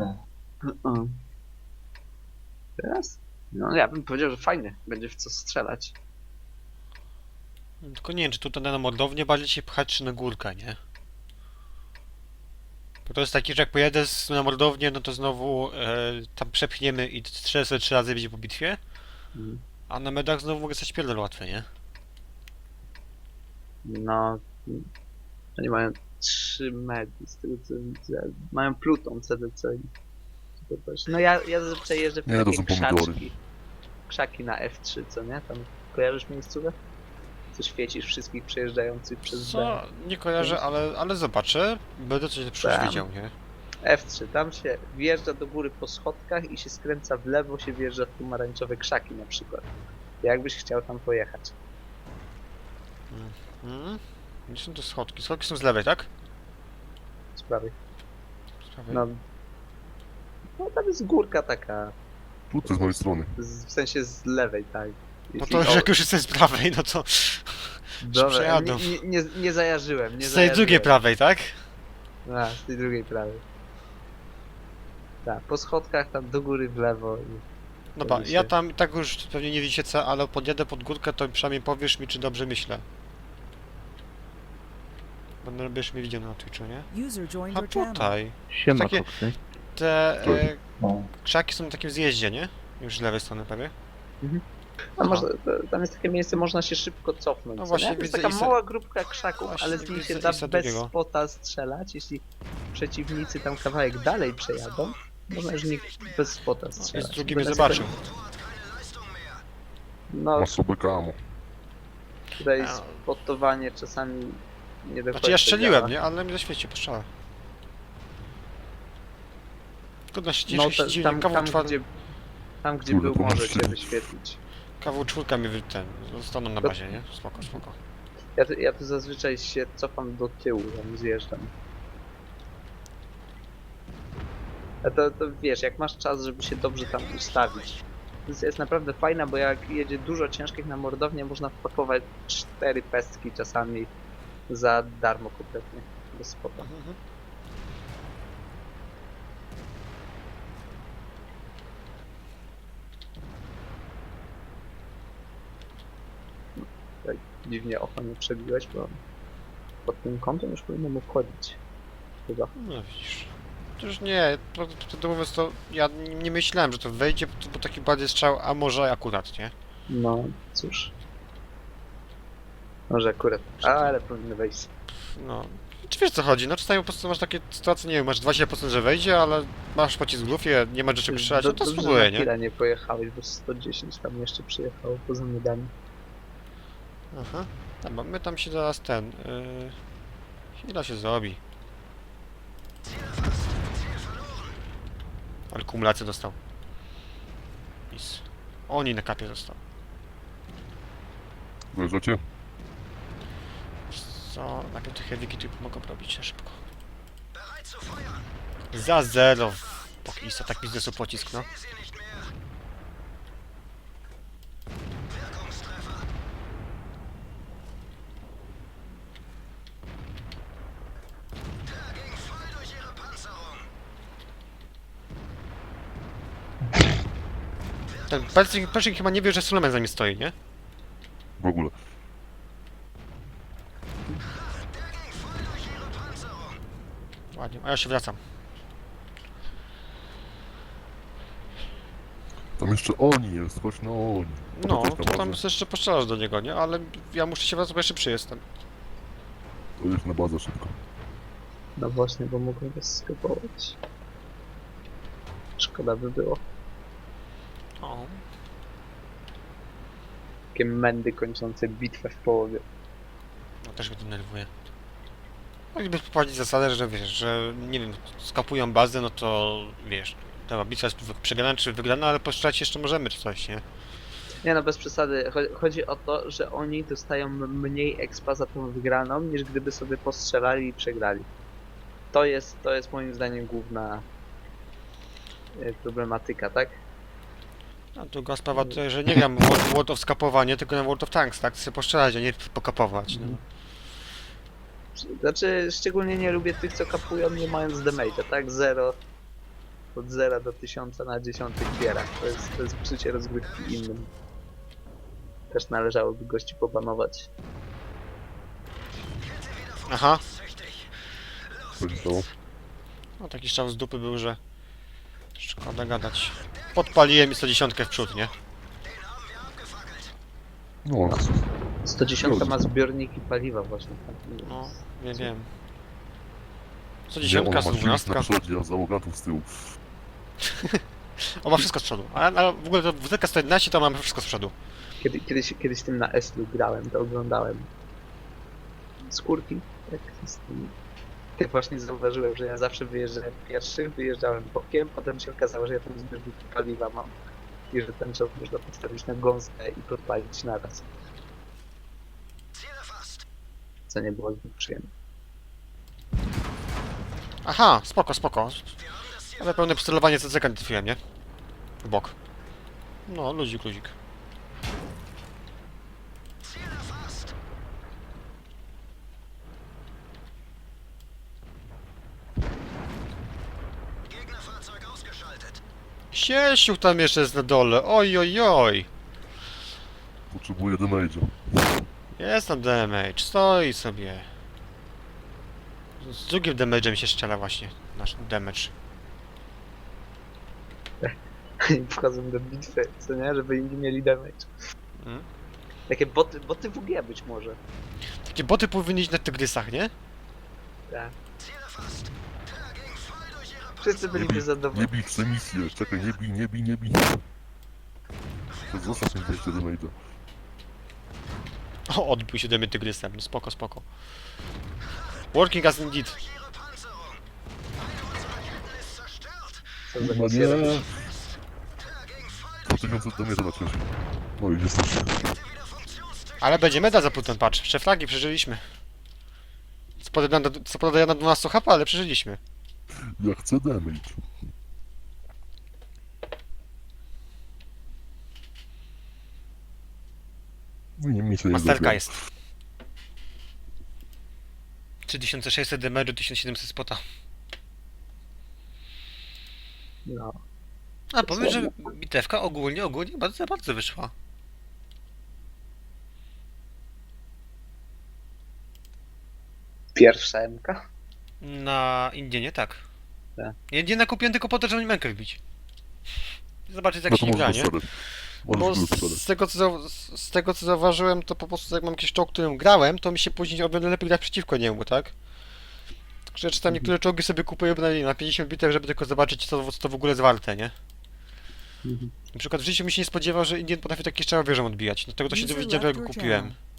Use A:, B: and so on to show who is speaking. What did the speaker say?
A: O. Teraz? No ja bym powiedział, że fajnie. Będzie w co strzelać.
B: Tylko nie wiem, czy tutaj na mordownię bardziej się pchać, czy na górkę, nie? Bo to jest taki, że jak pojedę na mordownię, no to znowu tam przepchniemy i strzelę sobie 3 razy będzie po bitwie,
A: Mhm.
B: a na medach znowu mogę stać pierdol łatwe, nie?
A: No. Oni mają 3 medy, z tego co widzę. Mają Pluton CDC. To też. No ja zazwyczaj jeżdżę w
C: Nie, to
A: takie
C: są pomidory.
A: krzaczki. Krzaki na F3, co nie? Tam kojarzysz miejscówkę? Co świecisz wszystkich przejeżdżających przez B.
B: Co? Nie kojarzę, ale zobaczę. Będę coś lepszego
A: Tam.
B: wiedział, nie?
A: F3, tam się wjeżdża do góry po schodkach i się skręca w lewo, się wjeżdża w pomarańczowe krzaki na przykład. Jakbyś chciał tam pojechać.
B: Mhm. Gdzie są te schodki? Schodki są z lewej, tak?
A: Z prawej.
B: Z prawej.
A: No tam jest górka taka,
C: Tu z mojej strony.
A: w sensie z lewej, tak.
B: No
A: Jeśli-
B: to
A: o,
B: jak już jestem z prawej, no to
A: dobra,
B: przejadą.
A: nie zajarzyłem, nie
B: z tej
A: zajarzyłem.
B: drugiej prawej, tak?
A: A, z tej drugiej prawej. Tak, po schodkach tam do góry w lewo.
B: Dobra,
A: Robi
B: ja
A: się.
B: tam tak już pewnie nie widzicie co, ale podjadę pod górkę, to przynajmniej powiesz mi, czy dobrze myślę. Będziesz mi widział na Twitchu, nie?
D: User joined
B: A
D: your channel.
B: tutaj.
E: Siema,
B: Takie-
E: koksy.
B: Te
C: No.
B: krzaki są na takim zjeździe, nie? Już z lewej strony prawie.
A: No, tam jest takie miejsce, można się szybko cofnąć.
B: No
A: co
B: właśnie,
A: nie? To jest
B: widzę
A: taka
B: i
A: mała grupka krzaków,
B: Właśnie,
A: ale z niej się
B: widzę
A: da
B: Isa
A: bez
B: drugiego.
A: spota strzelać. Jeśli przeciwnicy tam kawałek dalej przejadą, można już nich bez spota
B: I
A: strzelać.
B: z drugim mnie
A: Natomiast
B: zobaczył.
A: No,
C: Masz sobie kamo.
A: tutaj
B: A.
A: spotowanie czasami nie do
B: Znaczy ja
A: końca
B: strzeliłem,
A: działa.
B: nie? Ale mi zaświeci po strzale. Trudno się
A: No,
B: dziwnie, dziwnie.
A: tam gdzie
C: Kurde,
A: był,
C: to masz
A: może cię
C: tyle.
A: wyświetlić.
B: Kawał czwórka mi zostaną na bazie, nie? Spoko, spoko.
A: Ja tu zazwyczaj się cofam do tyłu, tam zjeżdżam. A to wiesz, jak masz czas, żeby się dobrze tam ustawić. To jest naprawdę fajna, bo jak jedzie dużo ciężkich na mordownię, można wpakować 4 pestki czasami za darmo kompletnie, bez spota.
B: Mhm.
A: Tak dziwnie oko nie przebiłeś, bo pod tym kątem już powinno mu wchodzić. Chyba.
B: No widzisz. Przecież nie, to mówiąc to ja nie myślałem, że to wejdzie, bo taki bardziej strzał, a może akurat, nie?
A: No, cóż. Może akurat, ale powinno wejść.
B: No. Czy wiesz co chodzi? No czasami po prostu masz takie sytuacje, nie wiem, masz 20% że wejdzie, ale masz pocisk w lufie, nie ma do czego strzelać, no to
A: Dobrze,
B: spróbuję,
A: że na
B: nie?
A: chwilę nie pojechałeś, bo 110 tam jeszcze przyjechało poza medami.
B: Aha. Dobra, my tam się zaraz chwila się zrobi. Ale kumulację dostał. Pis. Oni na kapie został.
C: Wjeżdżacie?
B: Co? Najpierw te heavyki tu pomogą robić na szybko. Za 0. Pokista, tak biznesu pocisk, no. Ten Pershing chyba nie wie, że Suleman za nim stoi, nie?
C: W ogóle.
B: Ładnie, a ja się wracam.
C: Tam jeszcze oni jest, chodź na oni.
B: No,
C: Chodź na
B: to tam
C: bazę.
B: jeszcze poszczelasz do niego, nie? Ale ja muszę się wracać, bo jeszcze przyjestem.
C: To jedź na bazę szybko.
A: No właśnie, bo mogłem was skrypować. Szkoda by było.
B: O.
A: Takie mędy kończące bitwę w połowie.
B: No też mnie to denerwuje. Mogliby wprowadzić zasadę, że wiesz, że nie wiem, skapują bazę, no to wiesz, ta bitwa jest przegrana czy wygrana, ale postrzelać jeszcze możemy czy coś, nie?
A: Nie no, bez przesady. Chodzi o to, że oni dostają mniej expa za tą wygraną, niż gdyby sobie postrzelali i przegrali. To jest moim zdaniem główna problematyka, tak?
B: A druga sprawa to, że nie gram w World of skapowanie, tylko na World of Tanks, tak? Chcę postrzelać, a nie pokapować, no.
A: Znaczy, szczególnie nie lubię tych, co kapują nie mając damage'a, tak? Zero. od 0 do 1000 na 10 gierach. To jest psucie rozgrywki innym. Też należałoby gości pobanować.
B: Aha.
C: Co się stało?
B: No taki strzał z dupy był, że... Szkoda gadać. Podpaliłem i 110 w przód, nie?
C: No,
A: 110 ma zbiorniki paliwa właśnie.
B: No, nie wiem.
C: nie,
B: 110,
C: ona ma silnik
B: 112.
C: na przodzie, a załogantów z tyłu.
B: On ma wszystko z przodu. A w ogóle to WZK 111 to mamy wszystko z przodu.
A: Kiedyś tym na Eslu grałem, to oglądałem. Skórki, jak z tym. Tak właśnie zauważyłem, że ja zawsze wyjeżdżałem pierwszy, wyjeżdżałem bokiem, potem się okazało, że ja tam zbiorniki paliwa mam. I że ten czołg można postawić na gąskę i podpalić naraz. Co nie było zbyt przyjemne.
B: Aha, spoko, spoko. Ale pełne przycelowanie CCK nie trafiłem, nie? W bok. No, luzik, luzik. Siesiu tam jeszcze jest na dole, oj, oj, oj.
C: Potrzebuję damage'a.
B: Jest tam damage, stoi sobie. Z drugim damage'em się strzela właśnie, nasz damage.
A: I wchodzą do bitwy, co nie? Żeby inni mieli damage.
B: Mm.
A: Takie boty WG być może.
B: Takie boty powinny iść na tygrysach, nie?
A: Tak. Wszyscy byliby
C: Nie
A: zadowoleni.
C: bij, chcę misję. Czekaj, nie bij. To zostaw mi 200 damage'a.
B: O, odbił się do mnie tygrysem, no spoko, spoko. Working as indeed.
A: Co za
C: No
A: misję
C: nie.
A: robisz?
C: 2000 damage'a na ciężko. No i jesteś.
B: Ale będzie medal za ten patch. Przeflagi przeżyliśmy. Co podaje na 12 HP, ale przeżyliśmy.
C: Ja chcę damage. No i misja nie
B: Masterka
C: zrobiona.
B: jest. 3600 damage'u, 1700 spota.
A: No.
B: A powiem, że bitewka ogólnie bardzo, bardzo wyszła.
A: Pierwsza MK?
B: Na Indienie tak.
A: Tak.
B: Indiena kupiłem tylko po to, żeby Mękę wbić. Zobaczyć jak
C: No
B: się
C: to
B: gra,
C: możesz
B: nie?
C: posadać.
B: Bo
C: Możesz go posadać.
B: z tego co zauważyłem, to po prostu jak mam jakiś czołg, którym grałem, to mi się później o wiele lepiej grać przeciwko niemu, tak? Że czy tam niektóre czołgi sobie kupuję na 50 bitew, żeby tylko zobaczyć co to w ogóle jest warte, nie? Na przykład w życiu mi się nie spodziewał, że Indien potrafi takie strzały wieżą odbijać. Dlatego to się
D: User
B: dowiedziałem,
D: left
B: jak go
D: your
B: kupiłem.
D: channel.